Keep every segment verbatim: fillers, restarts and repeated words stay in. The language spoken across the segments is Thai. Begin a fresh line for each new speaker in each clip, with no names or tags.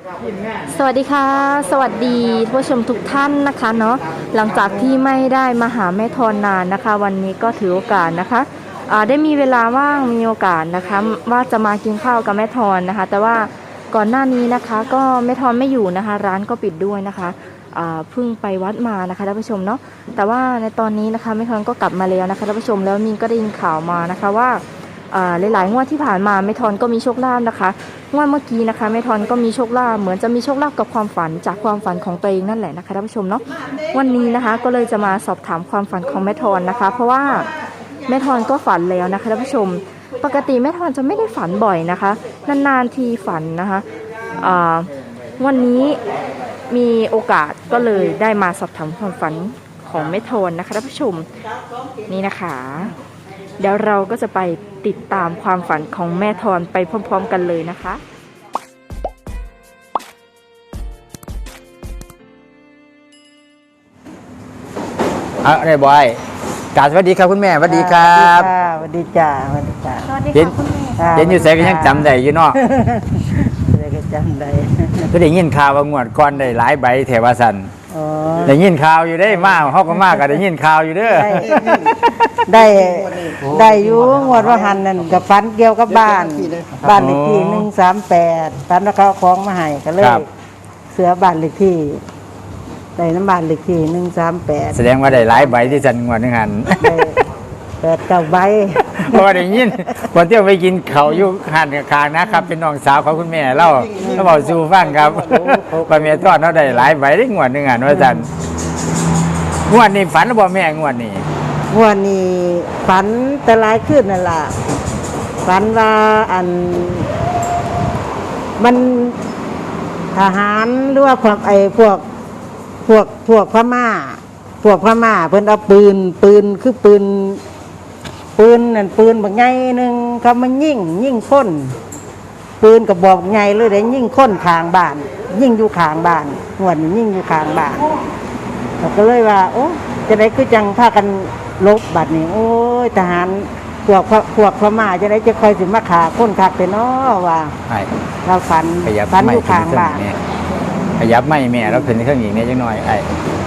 สวัสดีค่ะสวัสดีผู้ชมทุกท่านนะคะเนาะหลังจากที่ไม่ได้มาหาแม่ทอนนานนะคะ วันนี้ก็ถือโอกาสนะคะได้มีเวลาว่างมีโอกาสนะคะว่าจะมากินข้าวกับแม่ทอนนะคะแต่ว่าก่อนหน้านี้นะคะก็แม่ทอนไม่อยู่นะคะร้านก็ปิดด้วยนะคะเพิ่งไปวัดมานะคะท่านผู้ชมเนาะแต่ว่าในตอนนี้นะคะแม่ทอนก็กลับมาแล้วนะคะท่านผู้ชมแล้วมินก็ได้ยินข่าวมานะคะว่าหลายๆงวดที่ผ่านมาแม่ทอนก็มีโชคลาภนะคะงวดเมื่อกี้นะคะแม่ทอนก็มีโชคลาภเหมือนจะมีโชคลาภกับความฝันจากความฝันของตัวเองนั่นแหละนะคะท่านผู้ชมเนาะวันนี้นะคะก็เลยจะมาสอบถามความฝันของแม่ทอนนะคะเพราะว่าแม่ทอนก็ฝันแล้วนะคะท่านผู้ชมปกติแม่ทอนจะไม่ได้ฝันบ่อยนะคะนานๆทีฝันนะคะวันนี้มีโอกาสก็เลยได้มาสอบถามความฝันของแม่ทอนนะคะท่านผู้ชมนี่นะคะเดี๋ยวเราก็จะไปติดตามความฝันของแม่ทอนไปพร้อมๆกันเลยนะคะ
เอาอะไรบอยกราบสวัสดีครับคุณแม่สวัสดีครับ
สวัสดีจ้าสวัสดีจ้า
สวัสดีค่ะคุณแม่
เห็นอยู่ใส่ก็ยังจำได้อยู่เนาะ
ได้ก็จำได้
ก็ได้ยินข่าวว่างวดก่อนได้หลายใบแถวสัน
อ๋อ
ได้ยินข่าวอยู่ได้มากเขาก็มากก็ได้ยินข่าวอยู่เด้อ
ได้ได้อยู่งวดว่าหันนั่นกับฟันเกี่ยวกับบ้านบ้านเลขที่หนึ่งสามแปดฟันแล้วเขาคล้องมาให้ก็เลยเสือบ้านเลขที่ได้น้ำบ้านเลขที่หนึ่งสามแปด
แสดงว่าได้หลายใบที่สันงวดนึงหัน
แปดเก้าใบ
เพราะได้ยินวันที่ไปกินเขาอยู่หันกับคางนะครับเป็นน้องสาวของคุณแม่เล่าเขาบอกสู่ฟังครับป้าแม่ทอดเขาได้หลายใบได้งวดนึงหันว่าสันงวดนี้ฝันหรือเปล่าแม่งวดนี้
งวดนี้ฝันแต่หลายขึ้นนั่นล่ะฝันว่าอันมันทหารหรือว่าพวกไอ้พวกพวกพวกพม่าพวกพม่าเพิ่นเอาปืนปืนคือปืนปืนนั่นปืนแบบใหญ่หนึ่งเขามายิงยิงคนปืนกระบอกใหญ่เลยได้ยิงคนข้างบ้านยิงอยู่ข้างบ้านงวดนี้ยิงอยู่ข้างบ้านเราก็เลยว่าโอ้จะได้คือจังพากันลบบัดนี้โอ้ยทหารพวกพวกพม่าจะได้จะคอยสิมาขาคนคักไปเนาะว่าเราฝันฝันอยู่ข้างบ้าน
ขยับไม่แม่เราขึ้นเครื่องอีกเนี่ยจังหน่อยไอ้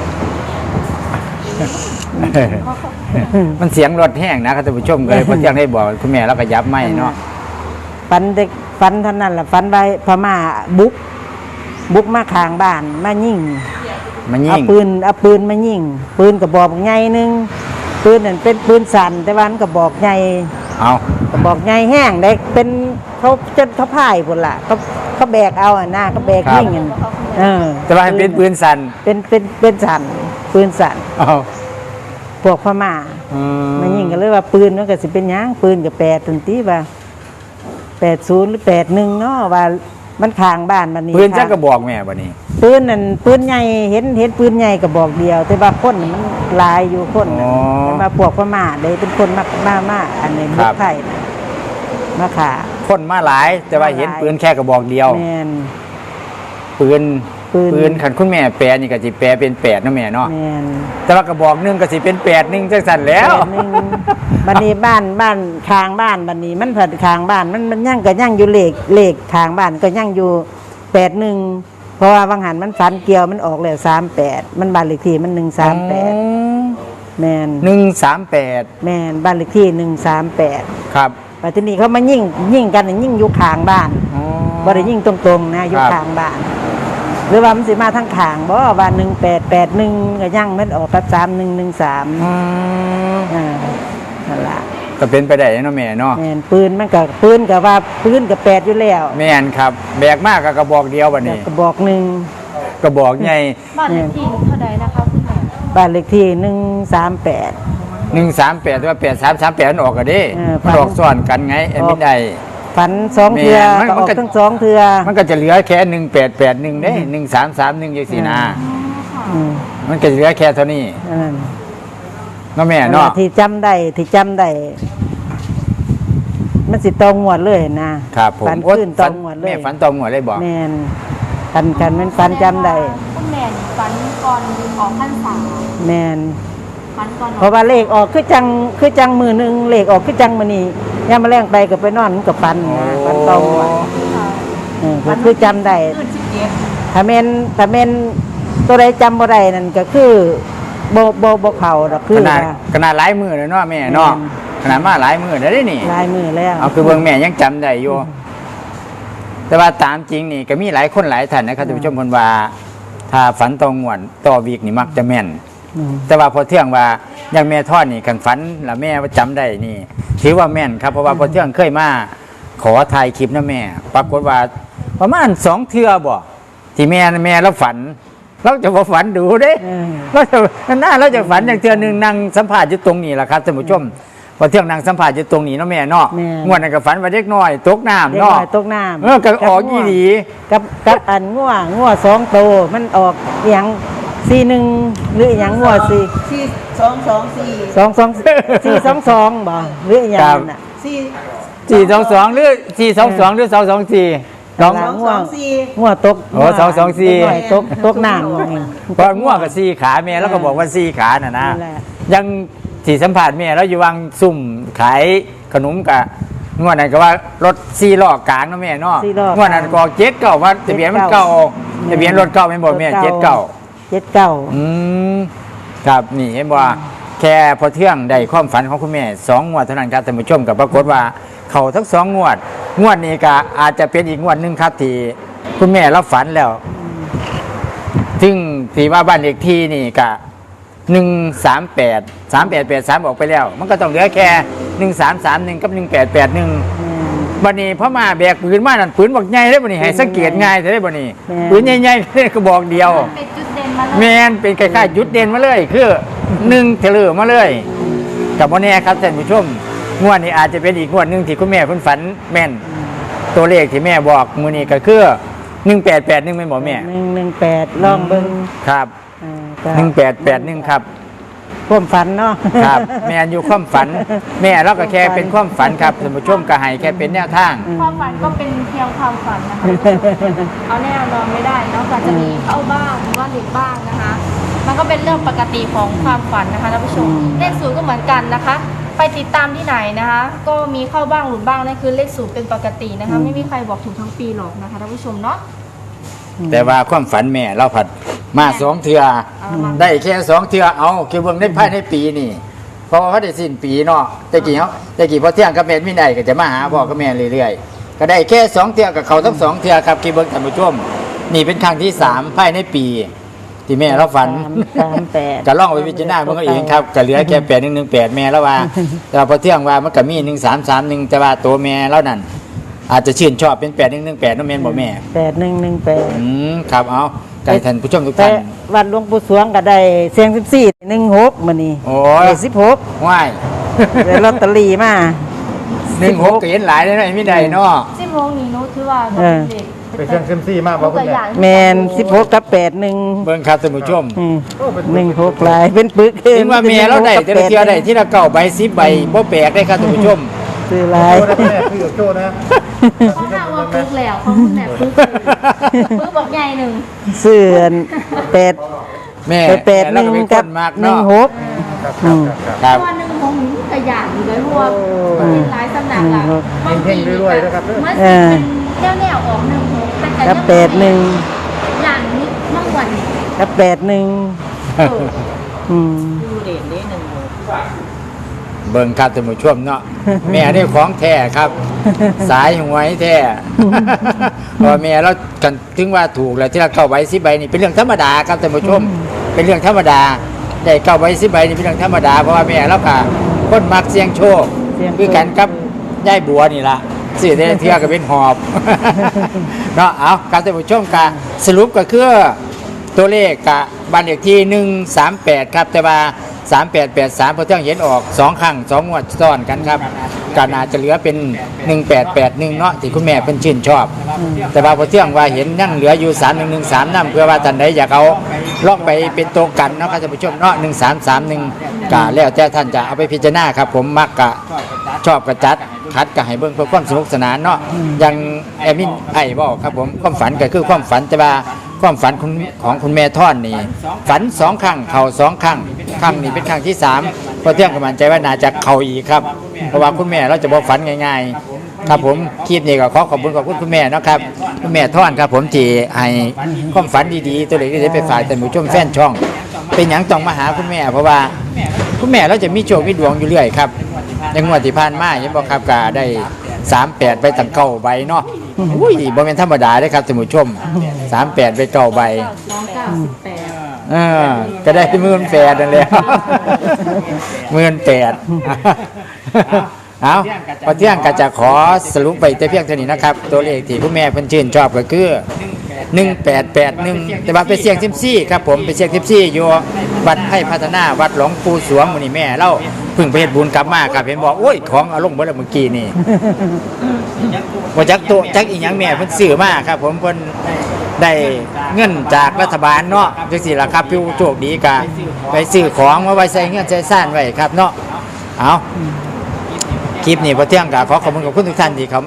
มันเสียงรถแห้งนะครับท่านผู้ชมก็เลยเพิ่งยังได้บอกคุณแม่เราขยับไม่เนาะ
ฝันเด็กฝันเท่านั้นแหละฝันไปพม่าบุกบุกมาข้างบ้านมายิง
มายิง
เอาปืนเอาปืนมายิงปืนกระบอกใหญ่นึงปืนนั่นเป็นปืนสั่นแต่วันกระบอกใหญ่
เอา
กระบอกใหญ่แห้งเด็กเป็นเขาจนเขาพ่ายหมดละเขาเขาแบกเอาอ่ะหน้าเขาแบกยิงกันเออ
แต่ว่าเป็นปืนสั่น
เป็นเป็นเป็นสั่นปืนสั่น
เอา
พวกพม่ามายิงกันเลยว่าปืนมันก็สิเป็นยังปืนกับแปดตันตีว่าแปดศูนย์หรือแปดหนึ่งเนาะว่ามันข้างบ้านมันนี่
ปืนจักกระบอกแม่วันนี้
ปืนนั่นปืนใหญ่เห็นเห็นปืนใหญ่กระบอกเดียวแต่ว่าคนมันลายอยู่คนแต่มาพวกพม่าเลยเป็นคนมากมากมากอันนี้บุกไทยมาขา
คนมาหลายแต่ว่าเห็นปืนแค่กระบอกเดียวปืนปืนขันคุณแม่แปลนี่ก็สิแปลเป็นแปดนะแม่เนาะแต่ว่ากระบอกนึงก็สิเป็นแปดนึงจังสั่นแล้ว
บันนี้บ้านบ้านทางบ้านบันนี้มันผัดทางบ้านมันมันยั่งก็ยั่งอยู่เลขเลขทางบ้านก็ยั่งอยู่แปดหนึ่งเพราะว่าบางหันมันฝันเกี่ยวมันออกแล้วสามแปดมันบ้านเลขที่มันหนึ่งสามแปดแมน
หนึ่งสามแปด
แมนบ้านเลขที่หนึ่งสามแปด
ครับ
ปัจจุบันเขามายิ่งยิ่งกันยิ่งอยู่ข้างบ้านบ่ได้ยิ่งตรงๆนะอยู่ข้างบ้านหรือว่ามันสิมาทั้งข้างบ่ว่าหนึ่งแปดแปดหนึ่งก็ยั่งมันออกกับสามหนึ่งหนึ่งสามอ่านั่นแหละ
ก็เป็นไปได้เนาะแม่เนาะ
แม่นปืนมันกับปืนกับว่าปืนกับแปดอยู่แล้ว
แม่นครับแบกมากกับกระบอกเดียวบัดนี้
กระบอกหนึ่ง
กระบอกใหญ่
บ้านเลขที่เท่าใดนะคะคุณแม่
บ้านเลขที่หนึ่งสามแปด
หนึ่งสามแปดว่าแปดสามสามแปดมันออกกันดิมันออกซ้อนกันไงเอ็มไม่ได้
ฝันสองเทือก็ออกทั้งสองเทือ
มันก็จะเหลือแค่หนึ่งแปดแปดหนึ่งได้หนึ่งสามสามหนึ่งยี่สี่นามันก็จะเหลือแค่เท่านี้น้องแม่เนาะ
ที่จำได้ที่จำได้มันสิตองหวดเลยนะครับ
ผม
ฝันขึ้นตองหวดเลย
แม่ฝันตองหวดเลยบอก
แม่กันกันมันฝันจำได้
คุณแม่ฝันก่อนออกพรรษา
แม่เพราะว่าเลขออกคือจังคือจังมือหนึ่งเลขออกคือจังมือนี้ย่ามาแรงไปกับไปนอนกับฟันนะฟันตองหวดคือจำได้
สิบ
ถ้าแม่นถ้าแม่นตัวใดจำบ่ได้นั่นก็คือบ่บ่บ่เข้าดอกคือ
ขนาด
ว่า
ขนาดหลายมือเลยเนาะแม่เนาะขนาดมาหลายมือแล้วเด้นี่
ลายมือแล้ว
เอาคือเบิ่งแม่ยังจำได้อยู่แต่ว่าตามจริงนี่ก็มีหลายคนหลายท่านนะครับท่านผู้ชมคนว่าถ้าฝันตองงวดต่อวีกนี่มักจะแม่น
อืม
แต่ว่าพอเที่ยงว่าอย่างแม่ทอดนี่คันฝันแล้วแม่ว่าจำได้นี่ถือว่าแม่นครับเพราะว่าพอเที่ยงเคยมาขอถ่ายคลิปนะแม่ ปรากฏว่าประมาณสองเทื่อบ่ที่แม่แม่แล้วฝัน เราจะบ่ฝันดูเด้
เออ
เราจะหน้าเราจะฝันอย่างเทื่อหนึงนั่งสัมภาษณ์อยู่ตรงนี้แหละครับท่านผู้ชมพอเที่ยงนั่งสัมภาษณ์อยู่ตรงนี้เนาะแม่เนาะ
แม่
งวดนั้นก็ฝันว่าเด็กน้อยตกน้ำ
เด็ก
เนาะ
น้อยตกน้ำ
เออก็ออกอีหลี
กับกับอันงัวงัวสองโตวมันออกอหยังสี่หนึ่งหรืออหยังงัวสี่
สี่สองสองสี่
สองสองสี่สองสองบ่หรืออหยังนั่นน่ะ
สี่
สี่สองสองหรือสี่สองสองหรือสองสองสี่สอง
หลั
สองสองสี่
งัวตก
โอ้สองสองสี่
เด็กน้อยตกตกน้ำว่าไง
พอง่วงกับสี่ขาแม่แล้วก็บอกว่าสี่ขาน่ะนะ
นั่นแหละ
ยังสี่สัมผัสแม่แล้วอยู่วางซุ่มขายขนมกับงวดนั้นก็ว่ารถสี่ล้อกลางเนาะแม่เนาะ
สี่ล้อกลาง
งวดนั้นก็เจ็ดเก่าว่าทะเบียนมันเก่าทะเบียนรถเก่าไม่นบอกแม่เจ็ดเก่า
เจ็ดเก้า
อืมครับนี่เห็นว่าแค่พอเที่ยงได้ความฝันของคุณแม่สองงวดเท่านั้นครับท่านผู้ชมกับปรากฏว่าเขาทั้งสองงวด งวดนี้ก็อาจจะเป็นอีกงวดหนึ่งครับที่คุณแม่รับฝันแล้ว ซึ่งที่ว่าบ้านเลขที่นี่ก็หนึ่งสามแปดสามแปดแปดสามออกไปแล้ว มันก็ต้องเหลือแค่หนึ่งสามสามหนึ่งกับหนึ่งแปดแปดหนึ่งบันนี้พอมาแบกปืนมานั่นปืนบอกใหญ่ได้บันนี้ให้สังเกตง่ายได้บันนี้ปืนใหญ่ๆเลยก็บอกเดียว
เป็นจุดเด่นมาเลย
แมนเป็นคล้ายๆจุดเด่นมาเลย คือหนึ่งเถลือมาเลย กับวันนี้ครับท่านผู้ชมงวดนี้อาจจะเป็นอีกงวดหนึ่งที่คุณแม่เพิ่นฝันแม่น ตัวเลขที่แม่บอกมือนี้ก็คือหนึ่งแปดแปดหนึ่งไม่นบอกแม่
หนึ่งหนึ่งแปดลองเบิ่ง
ครับ
อ่าก็
หนึ่งแปดแปดหนึ่งครับ
ความฝันเนาะ
ครับ แม่อยู่ความฝัน แม่เราก็แค่เป็นความฝันครับท่านผู้ชมก็ให้แค่เป็นแนวทาง
ความฝันก็เป็นเพียงความฝันนะคะ เอาแน่นอนไม่ได้เนอกจากจะมีเข้าบ้างหรือว่าหลุดบ้างนะคะ มันก็เป็นเรื่องปกติของความฝันนะคะท่านผู้ชม เลขศูนย์ก็เหมือนกันนะคะ ไปติดตามที่ไหนนะคะ ก็มีเข้าบ้างหลุดบ้างนั่นคือเลขศูนย์เป็นปกตินะคะ ไม่มีใครบอกถูกทั้งปีหรอกนะคะท่านผู้ชมเนาะ
แต่ว่าความฝันแม่เราผัดมาสองเทือ
เอามา
ได้แค่สองเทือเอาคือเบิ่งได้ภายในปีนี่เพราะว่าเขาได้สิ้นปีเนาะแต่กี่เขาแต่กี่พอเที่ยงกับแม่ไม่ได้ก็จะมาหาพ่อกับแม่เรื่อยๆก็ได้แค่สองเทือกับเขาทั้งสองเทือครับคือเบิ่งท่านผู้ชมนี่เป็นครั้งที่สามภายในปี ที่แม่เราฝัน
สามแปด
ก็ล่องไปพิจารณาเบิ่งเอาเองครับก็เหลือแค่แปดหนึ่งหนึ่งแปดแม่แล้วว่า แต่ว่าพอเที่ยงว่ามันก็มีหนึ่งสามสามหนึ่งแต่ว่าตัวแม่แล้วนั่นอาจจะชื่นชอบเป็นแปดหนึ่งหนึ่งแปดน้องแม่นบอกแม่
แปดหนึ่งหนึ่งแปด
อืมครับเอาใจท่านผู้ชมทุก
แต่
ท่าน
วัดหลวงปู่สวงก็ได้เสียงสิบสี่หนึ่งหกมานี่
โอ้ย
สิบหก
ว่าย
ได้ลอตเตอรี่มา
หนึ่งหกก็เห็นหลายเลยนะไม่ได้เนาะ
สิบโมงนี้นุถือว่า
เออ
เด็ก
ไปเครื่องเซยมซี่มากป่ะคุณแม่
แมนสิบหกกับแปดหนึ่ง
เบิ่งครับท่านผู้ชม
หนึ่งหกลายเป็นปึก
เห็นว่าเมียเราได้แต่ละเทียได้ที่ละเก้าใบสิบใบบ่แปลกได้ครับท่านผู้ชม
ซื้อลาย
โจ้นะแม่คือกับโจ้นะ
เขาห้าว่าปึ๊กแล้วเขาคุณแม่ปึ๊กปึ๊กบอกใหญ่หนึ่ง
เสื้อแปด
แม่
แปดห
แล้ว
นึ่ง
ก็เป็นค
กับ
นมาก
หนึ่
เนาะ
งหก
ครับครับครับ
ครับ
ตัวหนึ่งของหนูกระยานอยู่เลยเพราะว่าเป็นหลายสำนักอะบางที
เฮงๆรวยๆนะครับ
มันเป็นแนวแนวๆออกหนึ่งหกแต่
กับแปดหนึ่ง
อย่างนี้มากกว่านี้
กับแปดหนึ่ง
เออ
อืม
ดูเด่นได้หนึ่งหก
เบิ่งครับท่านผู้ชมเนาะแม่นี่ของแท้ครับ สายหวยแท้ เพอแม่เรากันถึงว่าถูกแล้วที่เราเก้าใบสิบใบนี่เป็นเรื่องธรรมดาครับท่านผู้ชม เป็นเรื่องธรรมดาได้เก้าใบสิบใบนี่เป็นเรื่องธรรมดาเพราะว่าแม่เราค่ะคนมักเสี่ยงโชคคือกันกับยายบัวนี่ล่ะสื่อได้เที่ยวก็เป็นหอบ เนาะเอาครับท่านผู้ชมกะสรุปก็คือตัวเลขกะบ้านเลขที่หนึ่งสามแปดครับแต่ว่าสามแปดแปดสามพอเที่ยงเห็นออกสองครั้งสองงวดซ้อนกันครับก็น่าจะเหลือเป็นหนึ่งแปดแปดหนึ่งเนาะที่คุณแม่เป็นชื่นชอบ แต่ว่าพอเที่ยงว่าเห็นยังเหลืออยู่สามหนึ่งหนึ่งสามนั่นเพื่อว่าท่านใดอยากเอาลอกไปเป็นตัวกันเนาะครับท่านผู้ชมเนาะหนึ่งสามสามหนึ่งกะแล้วแต่ท่านจะเอาไปพิจารณาครับผมมักกะชอบกระจัดคัดกะให้เบิ่งเพื่อความสนุกสนานเนาะยังแอมินไอ้บอกครับผมความฝันก็คือความฝันแต่ว่าความฝันของของคุณแม่ท่อนนี่ฝันสองครั้งเข่าสองครั้งครั้งนี้เป็นครั้งที่สามพอเที่ยงก็มั่นใจว่าน่าจะเข่าอีกครับเพราะว่าคุณแม่เราจะบอกฝันง่ายๆครับผมคลิปนี้ก็ขอขอบคุณขอบคุณคุณแม่เนาะครับคุณแม่ท่อนครับผมที่ให้ความฝันดีๆตัวเล็กๆไปฝากท่านผู้ชมแฟนช่อง เป็นหยังต้องมาหาคุณแม่เพราะว่าคุณแม่เราจะมีโชคมีดวงอยู่เรื่อยครับในงวดที่ผ่านมาเห็นบ่ครับก็ได้สามแปดไปตั้งเก้าใบเนาะอุ้ยบ่เป็นธรรมดาเด้ครับท่านผู้ชมสามแปดไปเก้าใบเออก็ได้หมื่นแปดนั่นแหละหมื่นแปดเอาพอเที่ยงก็จะขอสรุปไปแต่เพียงเท่านี้นะครับตัวเลขที่คุณแม่เพิ่นชื่นชอบก็คือหนึ่งแปดแปดหนึ่งแต่ว่าไปเสี่ยงซิมซี่ครับผมไปเสี่ยงซิมซี่อยู่วัดไผ่พัฒนาวัดหลวงปู่สวงมื้อนี้แม่เราเพิ่งไปเฮ็ดบุญกลับมาครับเห็นบอกโอ้ยของเอาลงเบิดแล้วเมื่อกี้นี่บ่จักตัวจักอีหยังแม่เพิ่นซื้อมาครับผมเพิ่นได้เงินจากรัฐบาลเนาะจังซี่ล่ะครับผู้โชคดีก็ไปซื้อของมาไว้ใส่เงินใส่ซ่านไว้ครับเนาะเอาคลิปนี้พอเที่ยงก็ขอขอบคุณกับคุณทุกท่านที่เขา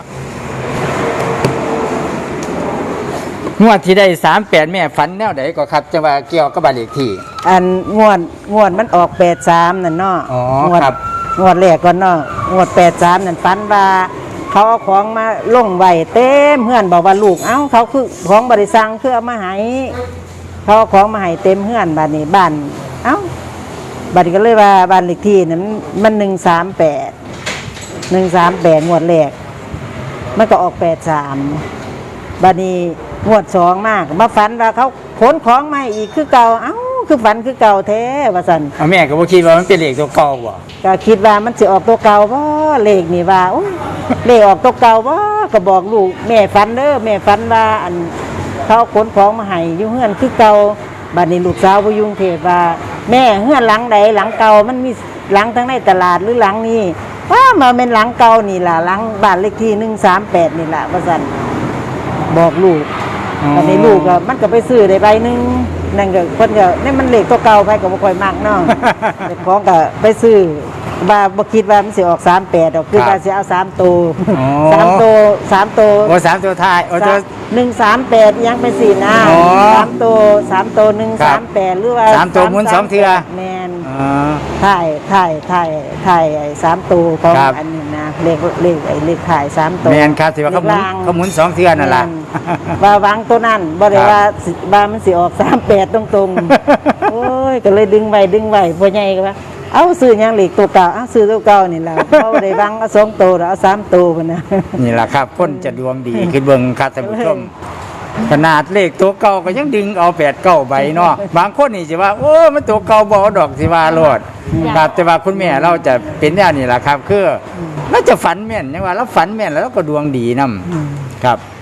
งวดที่ได้สามแปดแม่ฝันแนวไหนก็ครับจะว่าเกี่ยวกับบ้านเลขที่
อันงวดงวดมันออกแปดสามนั่นเนาะ
อ๋อง
วด
ครับ
งวดแรกก่อนเนาะงวดแปดสามนั่นฝันว่าเขาเอาของมาลงไว้เต็มเฮือนบอกว่าลูกเอ้าเขาคือของบริษัทคือเอามาให้เขาเอาของมาให้เต็มเฮือนบ้านนี้บ้านเอ้าบ้านนี้ก็เลยว่าบ้านเลขที่นั้นมันหนึ่งสามแปดหนึ่งสามแปดงวดแรกมันก็ออกแปดสามบ้านนี้งวดสองมากมาฝันว่าเขาขนของมาอีกคือเก่าเอ้าคือฝันคือเก่าแท้ว่าสัน
เอาแม่ก็บ่คิดว่ามันเป็นเลขตัวเก่าบ่
ก็คิดว่ามันจะออกตัวเก่าบ่เลขนี่ว่าโอ้ยเลขออกตัวเก่าบ่ก็บอกลูกแม่ฝันเด้อแม่ฝันว่าอันเขาขนของมาให้อยู่เฮือนคือเก่าบัดนี้ลูกสาวบ่อยู่กรุงเทพว่าแม่เฮือนหลังใดหลังเก่ามันมีหลังทั้งในตลาดหรือหลังนี้ว่ามาเป็นหลังเก่านี่ล่ะหลังบ้านเลขที่หนึ่งสามแปดนี่ล่ะว่าซั่นบอกลูกบัดนี้ลูกก็มันก็ไปซื้อได้ใบหนึงนั่นก็เพิ่นก็นี่มันเลขตัวเก่าไปก็บ่ค่อยมักเนาะ เจ้าของก็ไปซื้อว่าบ่คิดว่ามันสิออกสามแปดดอกคือว่าสิเอาสามตัว
อ๋อ
สามตัวสามตัว
โอ้สามตัวท้ายโอ้ตัว
หนึ่งสามแปดยังไปสี่นะ
อ๋อ
สามตัวสามตัวหนึ่ง
ครั
สา
บ
มแปดหรือว่า
สามตัวหมุนสองเทื่อ
แมน
อ๋อ
ถ่ายถ่ายถ่ายถ่ายไอ้สามตัวของ
ครับ
อันนี้นะเลขเลขไอ้เลขถ่ายสามตัว
แม่นครับที่ว่าเขาหมุน
ลขล่ง
เขาหมุนสองเทื่อนั่นล่ะ
แม่นว่าวังตัวนั้นบ่ได้
ครับ
ว่าสิว่ามันสิออกสามแปดตรงๆ โอ้ยก็เลยดึงไว้ดึงไว้พ่อใหญ่ก็ว่าเอาซื้อหยังเหล็กตัวเก่าเอาซื้อตัวเก่านี่ล่ะ เอาได้บังเอาสองตัวแล้วเอาสามตัวพุ่นน่ะ
นี่แหละครับคนจะดวงดีคือเบิ่งครับท่านผู้ชมขนาดเลขตัวเก่าก็ยังดึงเอาแปดเก้าใบเนาะบางคนนี่สิว่าโอ้มันตัวเก่าบ่เอาดอกสิว่าโลดครับแต่ว่าคุณแม่เราจะเป็นแนวนี้แหละครับคือเราจะฝันแม่นยังว่าเราฝันแม่นแล้วเราก็ดวงดีนํครับ